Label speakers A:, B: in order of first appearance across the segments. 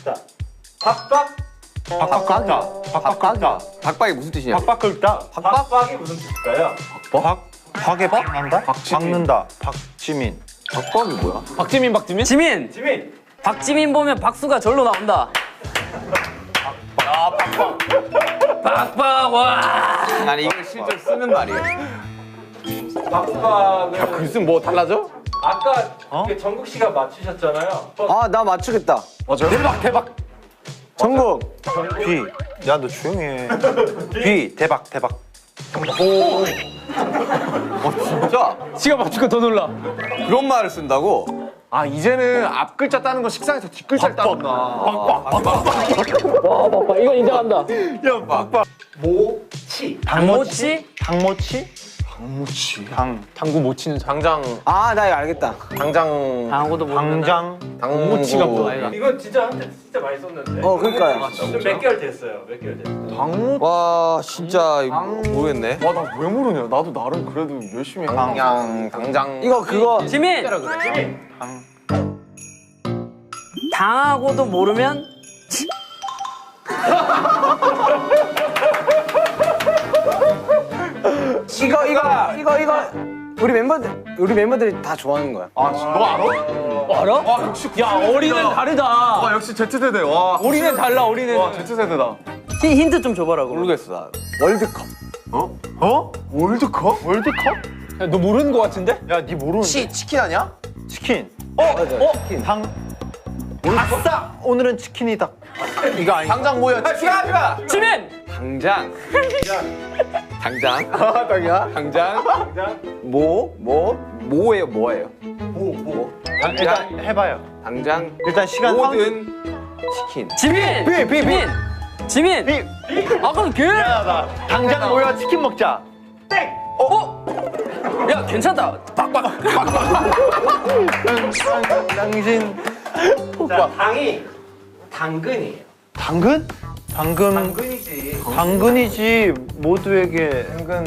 A: 자, 박박
B: 박박긁다.
C: 박박이 무슨 뜻이냐?
B: 박박긁다.
A: 박박이 무슨 뜻일까요?
B: 박에 박난다? 박는다. 박지민.
C: 박박이 뭐야?
D: 박지민.
A: 지민
D: 박지민 보면 박수가 절로 나온다. 박박 와.
C: 아니 이걸 실제로 쓰는 말이에요.
A: 박박은
C: 글쓴 뭐 달라져?
A: 아까 이게 정국 씨가 맞추셨잖아요.
E: 아, 나 맞추겠다.
C: 대박.
E: 정국.
B: 비. 야, 너 조용히 해. 비. 대박.
C: 진짜
D: 지가 맞추고 더 놀라.
C: 그런 말을 쓴다고?
F: 아 이제는 앞 글자 따는 거 식상해서 뒷 글자를 따는구나.
D: 와 박박 이거 인정한다.
B: 야, 박박.
A: 모치
D: 당모치?
B: 당모치?
D: 당구 못 치는 장.
F: 당장
E: 아, 나 이거 알겠다.
F: 당장
D: 당구도 모르는.
B: 당장.
F: 당무치가
D: 뭐야?
A: 이건 진짜 한테 진짜 많이 썼는데.
E: 그러니까요.
A: 몇 개월 됐어요. 몇 개월 됐어요.
F: 당무?
C: 와 진짜 이거 모르겠네.
F: 와나 왜 모르냐? 나도 나름 그래도 열심히 당장
E: 이거 그거.
D: 지민. 당하고도 모르면
E: 이거 우리 멤버들이 다 좋아하는 거야.
F: 아 너 알아?
D: 알아?
F: 와 역시
D: 야 어린애는 다르다.
F: 와 역시 Z세대 와
D: 어린애 달라 어린애.
F: 와 Z세대다.
D: 힌트 좀 줘봐라고.
C: 모르겠어 나.
E: 월드컵.
F: 월드컵?
D: 너 모르는 거 같은데?
B: 야, 니 모르는데.
C: 치킨 아니야?
B: 치킨.
E: 치킨.
B: 아싸! 오늘은 치킨이다.
C: 이거 아니. 당장 뭐야? 슈가.
D: 지민.
C: 당장. 당장. 뭐예요? 뭐예요?
B: 일단 해봐요.
C: 당장
B: 일단 시간
C: 모든 치킨.
D: 지민. 지민.
B: 비.
D: 아까 걔.
B: 야, 당장 모여 치킨 먹자.
D: 야 괜찮다. 박박.
B: 당신.
A: 자, 당이 당근이에요.
B: 당근?
A: 당근이지.
B: 당근이지. 모두에게.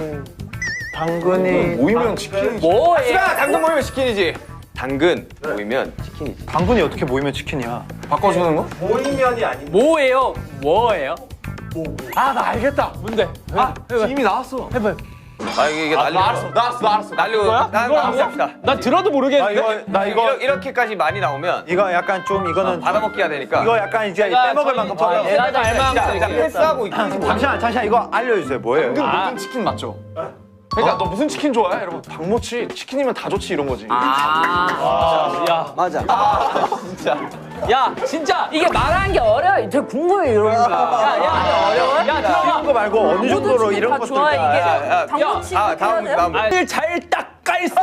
B: 당근이.
F: 모이면 치킨이지.
D: 뭐예요?
C: 당근 모이면 치킨이지. 당근 모이면 치킨이지.
B: 당근이 어떻게 모이면 치킨이야?
F: 바꿔주는 거?
A: 모이면이 아닌데.
D: 뭐예요? 뭐예요?
F: 아 나 알겠다.
D: 뭔데?
F: 이미 나왔어.
C: 아 이게 난리.
F: 나왔어.
C: 날리고 난 합시다.
D: 나 들어도 모르겠는데.
B: 나 이거
C: 이렇게까지 많이 나오면
B: 이거 약간 좀 이거는
C: 받아먹기 해야 되니까.
B: 이거 약간 이제 빼먹을 만큼
D: 아, 내가 다 알만한
C: 자, 패스하고
B: 잠시만 이거 알려주세요. 뭐예요?
F: 당근 모든 치킨 맞죠? 그러니까 너 무슨 치킨 좋아해? 이러면 당모치 치킨이면 다 좋지 이런 거지.
D: 야,
E: 맞아.
D: 야, 진짜 이게 말하는 게 어려워. 되게 궁금해 이런 거. 야, 어려워? 야, 들어봐.
B: 이런 거 말고 어느 정도로 이런
D: 다
B: 것도
D: 좋아해 이게.
C: 야,
D: 당모치
C: 다음
D: 를 잘 닦아있어.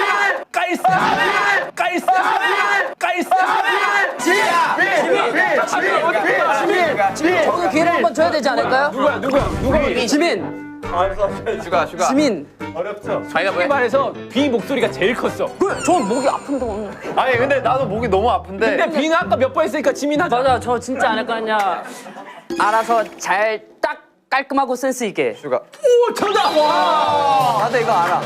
D: 저기 기회를 한번 줘야 되지 않을까요? 누구야? 지민.
C: 슈가.
D: 지민.
A: 어렵죠?
C: 자기가 뭐해?
D: 말에서 비 목소리가 제일 컸어. 그래, 저 목이 아픈데 오늘.
B: 아니 근데 나도 목이 너무 아픈데.
D: 근데 비는 아까 몇 번 했으니까 지민 하자. 맞아, 저 진짜 안 할 거 아니야. 알아서 잘 딱 깔끔하고 센스 있게.
C: 슈가.
D: 오, 정답! 와!
E: 나도 이거 알아.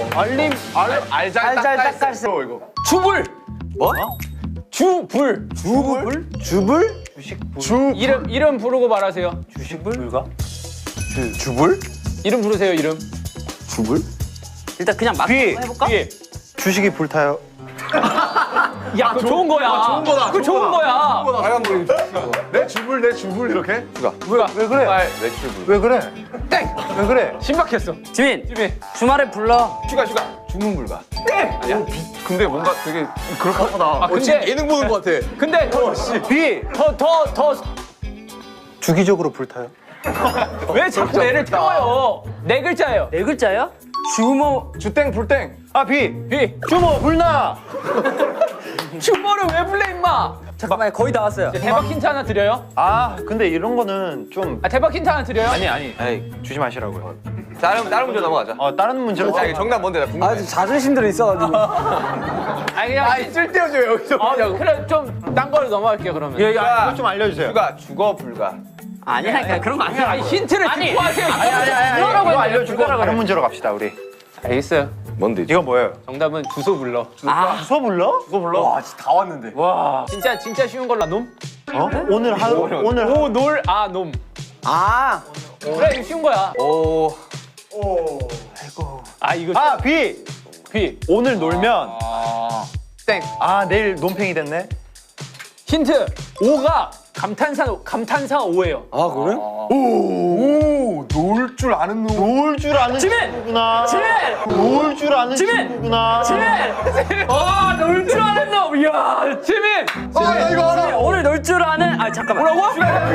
F: 알잘
E: 닦았어.
F: 이거.
D: 주불.
C: 뭐?
D: 주불.
E: 주불?
D: 이름 부르고 말하세요.
B: 불가?
C: 주불?
D: 이름 부르세요, 이름.
C: 주불?
D: 일단 그냥 막 해볼까?
B: 주식이 불타요.
D: 야, 그거 좋은 거야.
F: 좋은 거다.
D: 그거 좋은 거야.
C: 빨간 불이
F: 내 주불 이렇게?
B: 왜 그래?
C: 내 주불.
B: 왜 그래?
D: 땡!
B: 왜 그래?
D: 신박했어. 지민. 주말에 불러.
C: 슈가. 주문 불가.
F: 근데 뭔가 되게 그럴까 보다.
D: 아, 근데
C: 예능 보는 거 같아.
D: 근데
B: 비.
D: 더
B: 주기적으로 불타요.
D: 왜 자꾸 애를 태워요? 네 글자예요. 네 글자요? 주모
F: 주땡 불땡.
B: 아 비.
D: 비.
B: 주모 불나.
D: 주모를 왜 불러 임마? 잠깐만 거의 다 왔어요. 대박 힌트 하나 드려요?
B: 아 근데 이런 거는 좀.
D: 아 대박 힌트 하나 드려요?
B: 아니
C: 에이,
B: 주지 마시라고요.
C: 다른 문제 넘어가자.
B: 다른 문제로.
C: 자, 이게 정답 뭔데? 나 궁금해.
E: 아, 자존심들이 있어가지고.
D: 아니 그냥
C: 쓸데없이 왜 여기서
D: 그래 좀 딴 거로 넘어갈게요 그러면.
B: 야, 이거 좀 알려주세요.
C: 슈가 죽어 불가.
D: 아니야 그런 거 아니야. 아니 힌트를 듣고 하세요.
B: 이거 알려주고 다른 문제로 갑시다 우리.
D: 알겠어요.
C: 뭔데?
B: 이거 뭐예요?
G: 정답은 주소 불러.
B: 주소 불러?
F: 그거 몰라?
B: 와 진짜 다 왔는데.
G: 와. 진짜 쉬운 걸로 놈?
B: 어? 오늘 하루 오늘
G: 오, 놀, 아, 놈.
E: 아.
G: 그래, 이거 쉬운 거야.
C: 오.
G: 아, 이거
B: 아 비.
G: 비.
B: 오늘 놀면
G: 땡.
B: 아 내일 논팽이 됐네.
G: 힌트. 오가 감탄사 오예요.
E: 아 그래?
F: 놀 줄 아는 놈.
B: 놀 줄 아는
D: 지민!
B: 친구구나.
D: 지민!
B: 놀 줄 아는
D: 지민!
B: 친구구나.
D: 지민! 놀 줄 아는 놈! 이야!
G: 지민!
F: 나 이거 알아.
D: 오늘 놀 줄 아는... 아, 잠깐만. 뭐라고?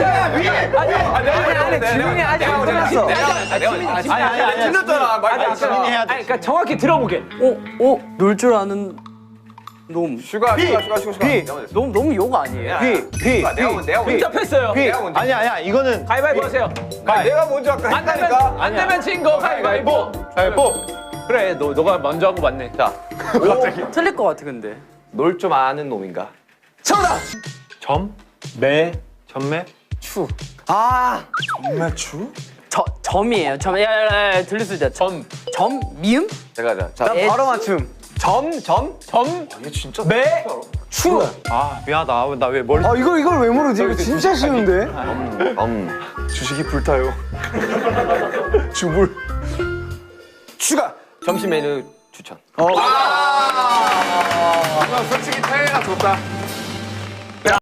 E: 아니 지민이 아직 안 끝났어.
B: 아니
C: 틀렸잖아. 말
B: 지민이 해야 돼.
G: 아니, 그러니까 정확히 들어보게.
D: 놀 줄 아는 놈.
C: 슈가.
B: 비.
D: 너무 욕 아니에요?
B: 비.
C: 내가 먼저.
G: 답했어요.
B: 비. 아니야 이거는
G: 가위바위보 하세요.
C: 내가 먼저 아까
G: 안 되면 진 거 가위바위보.
B: 뭐
G: 그래, 너가 먼저 하고 맞네. 자,
D: 틀릴 것 같아, 근데.
C: 놀 좀 아는 놈인가?
G: 정답!
B: 매 전매
E: 아.
D: 점이에요. 점. 야, 들릴 수 있다. 점? 미음?
C: 자.
E: 난 바로 맞춤.
G: 점?
F: 얘 진짜
G: 매? 추.
B: 아 미안하다 나 왜 멀리
E: 아 이걸 왜 모르지? 이거 진짜 쉬운데.
F: 주식이 불타요. 주불.
C: 슈가. 점심 메뉴 추천.
F: 솔직히 태혜가 줬다.